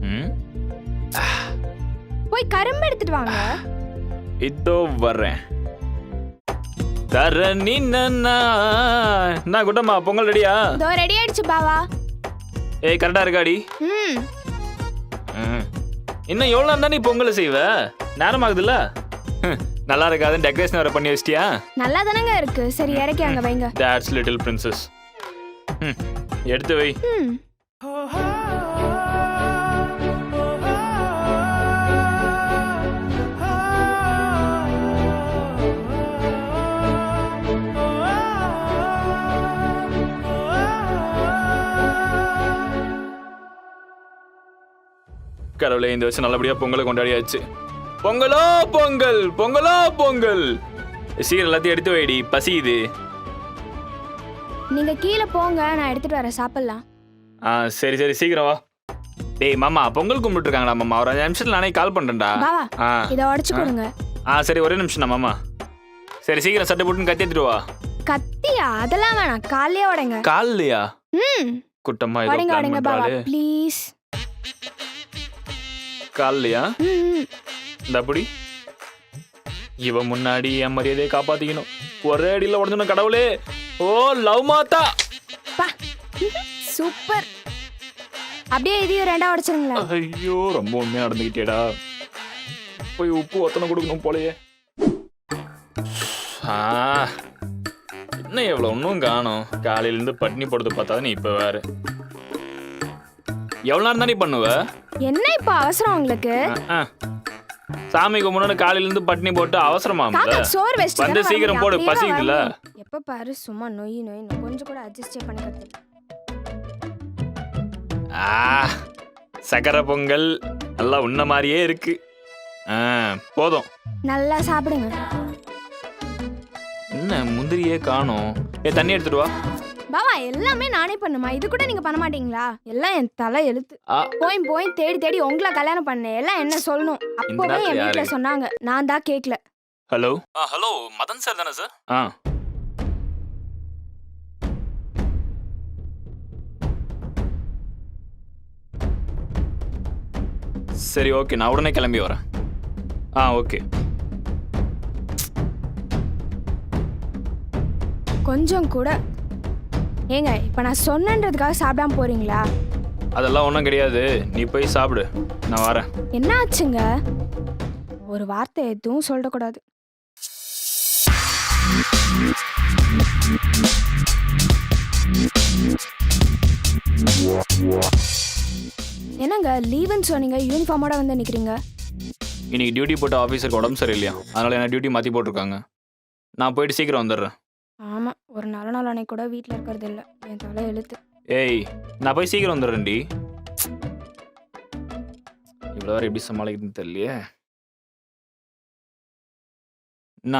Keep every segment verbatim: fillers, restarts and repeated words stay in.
ம் போய் கரும்பு எடுத்துட்டு வாங்க. இதோ வர்றேன். தர நீ நான் குட்டம்மா பொங்கல் ரெடியா? இதோ ரெடி ஆயிடுச்சு பாவா. ஏய் கரெக்டா இருக்காடி? ம் ம். இன்னும் எவ்வளோ நேரம் தான் நீ பொங்கல் செய்வ? நேரம் ஆகுதுல்ல? நல்லா இருக்காது. டெக்கரேஷன் வேற பண்ணி வச்சிட்டியா? நல்லா தானங்க இருக்கு. சரி இறக்கி அங்க வைங்க. That's little princess. ம் எடுத்து வை. ம் கடவுளே, இந்த வருஷம் நல்லபடியா பொங்கலை கொண்டாடியாச்சு. பொங்கலோ பொங்கல், பொங்கலோ பொங்கல். சீக்கிரம் எல்லாத்தையும் எடுத்து வைடி, பசியுது. நீங்க கீழே போங்க, நான் எடுத்துட்டு வரேன், சாப்பிடலாம். ஆ சரி சரி சீக்கிரம் வா. டேய் மாமா, பொங்கல் கும்பிட்டு இருக்காங்களா மாமா? ஒரு அஞ்சு நிமிஷத்துல நானே கால் பண்றேன்டா. பாவா ஆ இதை உடைச்சு கொடுங்க. ஆ சரி ஒரே நிமிஷம் தான் மாமா. சரி சீக்கிரம் சட்டை போட்டுன்னு கத்தி எடுத்துட்டு வா. கத்தியா? அதெல்லாம் வேணாம், காலையே உடைங்க. கால்லையா? ம் குட்டம்மா ஏதோ உடைங்க பிளான் உடைங்க பாவா பண்றாளே. ப்ளீஸ். கால்லையா? ம் இந்த அப்படி இவன் முன்னாடி என் மரியாதையை காப்பாத்திக்கணும். ஒரே அடியில் உடஞ்சுன கடவுளே. ஓ லவ் மாத்தா. பா சூப்பர். அப்படியே இதையும் ரெண்டா உடைச்சிருங்களேன். ஐயோ ரொம்ப உண்மையா நடந்துக்கிட்டேடா. போய் உப்பு ஒத்தனை கொடுக்கணும் போலயே. ஆ என்ன எவ்வளோ ஒன்றும் காணும். காலையிலேருந்து பட்னி போடுறது பார்த்தா நீ இப்போ வேற எவ்வளோ நேரம் தானே பண்ணுவ? என்ன இப்போ அவசரம் உங்களுக்கு? ஆ, சாமி கும்பிடணும் காலையிலேருந்து பட்னி போட்டு அவசரமா? தாத்தா சோறு வெஸ்ட் வந்து சீக்கிரம் போடு, பசிக்குதுல. எப்ப பாரு சும்மா நொய் நொய் கொஞ்சம் கூட அட்ஜஸ்டே பண்ணிக்கிறது. ஆ சக்கரை பொங்கல் நல்லா உன்ன மாதிரியே இருக்கு. ஆ போதும். நல்லா சாப்பிடுங்க. என்ன முந்திரியே காணோம். ஏ தண்ணி எடுத்துட்டு வா. பாவா எல்லாமே நானே பண்ணுமா? இது கூட நீங்க பண்ண மாட்டீங்களா? எல்லாம் என் தலை எழுத்து. ஆ போய் போய் தேடி தேடி உங்களை கல்யாணம் பண்ணேன். எல்லாம் என்ன சொல்லணும்? அப்பவே நேரத்துல என் வீட்டுல யாரு? சொன்னாங்க, நான் தான் கேட்கல. ஹலோ. ஆ ஹலோ மதன் சார் தானே சார்? ஆ சரி ஓகே, நான் உடனே கிளம்பி வரேன். ஆ ஓகே. கொஞ்சம் கூட ஏங்க இப்ப நான் சொன்னன்றதுக்காக சாப்பிடாம போறீங்களா? அதெல்லாம் ஒன்றும் கிடையாது, நீ போய் சாப்பிடு, நான் வரேன். என்ன ஆச்சுங்க? ஒரு வார்த்தை எதுவும் சொல்லக்கூடாது. என்னங்க லீவுன்னு சொன்னீங்க, யூனிஃபார்மோட வந்து நிக்கிறீங்க? இன்னைக்கு டியூட்டி போட்ட ஆஃபீஸருக்கு உடம்பு சரியில்லையா, அதனால என்ன டியூட்டி மாற்றி போட்டிருக்காங்க. நான் போயிட்டு சீக்கிரம் வந்துடுறேன். ஆமா, ஒரு நல்ல நாள் அன்னைக்கு கூட வீட்டில் இருக்கிறது இல்லை. என் தலை எழுத்து. ஏய் நான் போய் சீக்கிரம் வந்துடுறேன்டி. இவ்வளோ வேறு எப்படி சமாளிக்கிறதுன்னு தெரியலையே. என்ன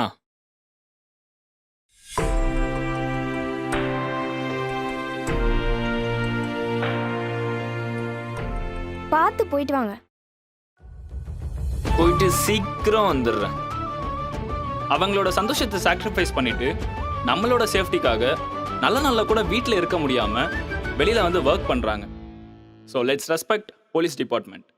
பார்த்து போயிட்டு வாங்க. போயிட்டு சீக்கிரம் வந்துடுறேன். அவங்களோட சந்தோஷத்தை சாக்ரிஃபைஸ் பண்ணிட்டு நம்மளோட சேஃப்டிக்காக நல்ல நல்ல கூட வீட்டில் இருக்க முடியாம வெளியில வந்து ஒர்க் பண்றாங்க. So let's respect police department.